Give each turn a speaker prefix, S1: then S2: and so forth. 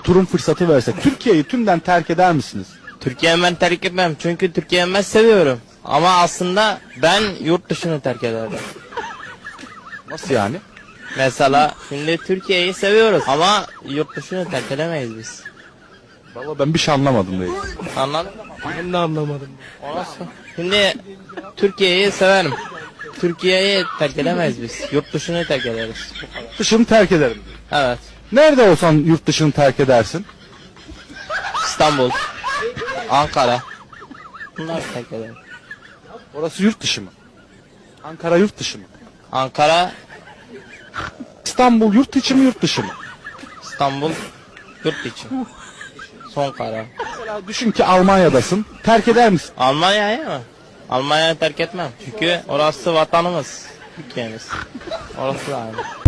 S1: turun fırsatı versek Türkiye'yi tümden terk eder misiniz?
S2: Türkiye'yi ben terk etmem çünkü Türkiye'yi ben seviyorum. Ama aslında ben yurt dışını terk ederdim.
S1: Nasıl yani?
S2: Mesela şimdi Türkiye'yi seviyoruz ama yurt dışını terk edemeyiz biz.
S1: Vallahi ben bir şey anlamadım reis.
S2: Anladın mı?
S3: Ben de anlamadım.
S2: O nasıl? Şimdi Türkiye'yi severim. Türkiye'yi terk edemeyiz biz. Yurt dışını terk ederiz.
S1: Dışını terk ederim.
S2: Evet.
S1: Nerede olsan yurt dışını terk edersin?
S2: İstanbul, Ankara. Bunları terk ederim.
S1: Orası yurt dışı mı? Ankara yurt dışı mı?
S2: Ankara,
S1: İstanbul yurt içi mi yurt dışı mı?
S2: İstanbul, yurt içi. Son karar.
S1: Mesela düşün ki Almanya'dasın. Terk eder misin?
S2: Almanya'yı mı? Almanya'yı terk etmem. Çünkü orası vatanımız. Türkiye'miz. Orası da aynı.